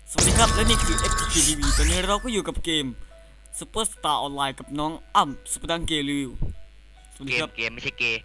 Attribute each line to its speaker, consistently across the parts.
Speaker 1: สวัสดีครับและนี่คือ FTK TV ตอนนี้เราก็อยู่กับเกม Superstar Online กับน้องอ้ำสุปดังเกลิวสวัสดีครับ
Speaker 2: เกมไม่ใช่เกย์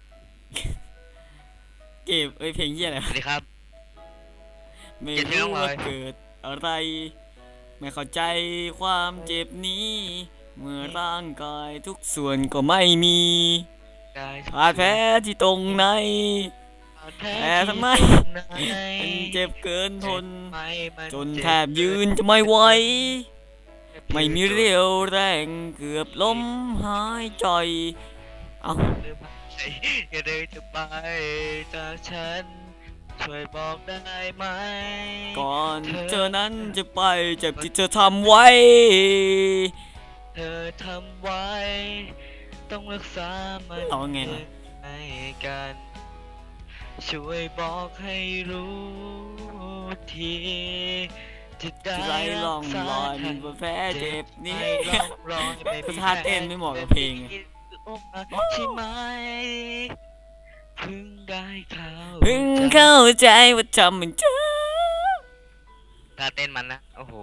Speaker 1: เกมเพลงเยี่ยอะไร
Speaker 2: สวัสดีครับ
Speaker 1: ไม่
Speaker 2: เจ็ดที่
Speaker 1: รู้
Speaker 2: น้องเล
Speaker 1: ว่าเกิดอะไรไม่เข้าใจความเจ็บนี้เมื่อร่างกายทุกส่วนก็ไม่มี
Speaker 2: กาย
Speaker 1: บาดแผลที่ตรงไหนแต่ทำไมมันเจ็บเกินทนจนแทบยืนจะไม่ไหวไม่มีเรี่ยวแรงเกือบล้มหายใจเอา
Speaker 2: อย่าเดินจะไปจากฉันช่วยบอกได้ไหม
Speaker 1: ก่อนเธอนั้นจะไปเจ็บที่เธอทำไว้
Speaker 2: เธอทำไว้ต้องรักษามัน
Speaker 1: เอาไงล่ะ
Speaker 2: ให้กันช่วยบอกให้รู้ทีจะได้
Speaker 1: ไร้ร่องรอยมีบาดแผลเจ็บนี่ก็ท่าเต้นไม่เหมาะกับเพลง
Speaker 2: ใช่ไหมเพิ่งได้
Speaker 1: เพิ่งเข้าใจว่าทำมันเจ็บ
Speaker 2: ท่าเต้นมันนะโอ้โห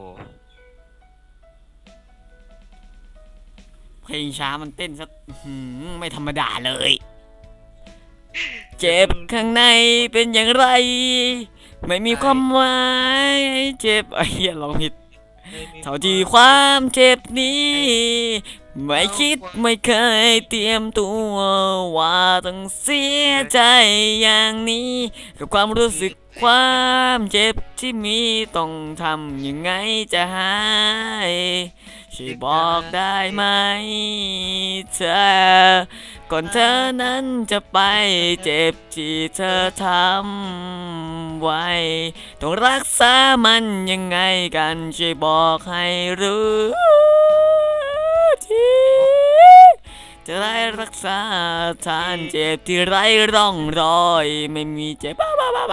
Speaker 1: เพลงช้ามันเต้นซะไม่ธรรมดาเลยเจ็บข้างในเป็นอย่างไรไม่มีความหมายเจ็บไอ้เหี้ยร้องผิดเท่าที่ความเจ็บนี้ไม่คิดไม่เคยเตรียมตัวว่าต้องเสียใจอย่างนี้กับความรู้สึกความเจ็บที่มีต้องทำยังไงจะหายช่วยบอกได้ไหมเธอก่อนเธอนั้นจะไปเจ็บที่เธอทำไว้ต้องรักษามันยังไงกันช่วยบอกให้รู้ทีจะได้รักษาทานเจ็บที่ไร้ร่องรอยไม่มีเจ็บ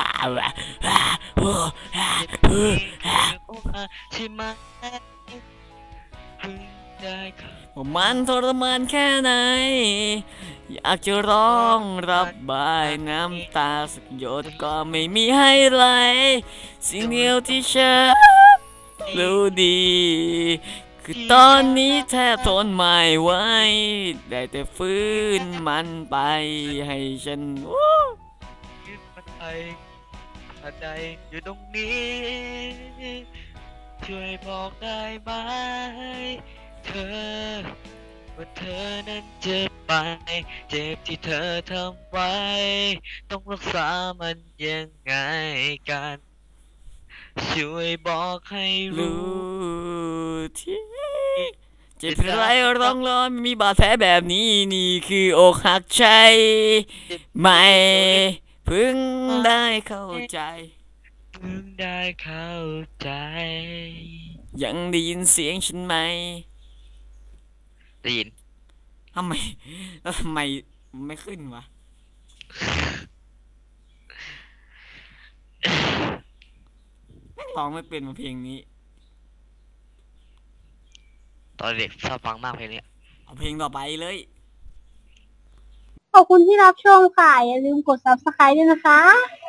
Speaker 2: ใช่ไหมเพิ่งได้
Speaker 1: ว่ามันทรมานแค่ไหนอยากจะร้องรับบายน้ำตาสักหยดก็ไม่มีให้ไหลสิ่งเดียวที่ฉันรู้ดีคือตอนนี้แทบทนไม่ไหวได้แต่ฟื้นมันไปให้ฉัน
Speaker 2: ยึดมันไปหัวใจอยู่ตรงนี้ช่วยบอกได้ไหมเธอว่าเธอนั้นเจ็บไปเจ็บที่เธอทำไว้ต้องรักษามันยังไงกันช่วยบอกให้รู้
Speaker 1: รู้ที่เจ็บไรร้องร้อนมีบาดแผลแบบนี้นี่คืออกหักใจไม่เพิ่งได้เข้าใจ
Speaker 2: เพิ่งได้เข้าใจ
Speaker 1: ยังได้ยินเสียงฉันไหม
Speaker 2: ได้ยิน
Speaker 1: ทำไมแล้วทำไมไม่ขึ้นวะร้องไม่เป็นมาเพลงนี้
Speaker 2: ตอนเด็กชอบฟังมากเพลงนี้
Speaker 1: เอาเพลงต่อไปเลย
Speaker 3: ขอบคุณที่รับชมค่ะอย่าลืมกด Subscribe ด้วยนะคะ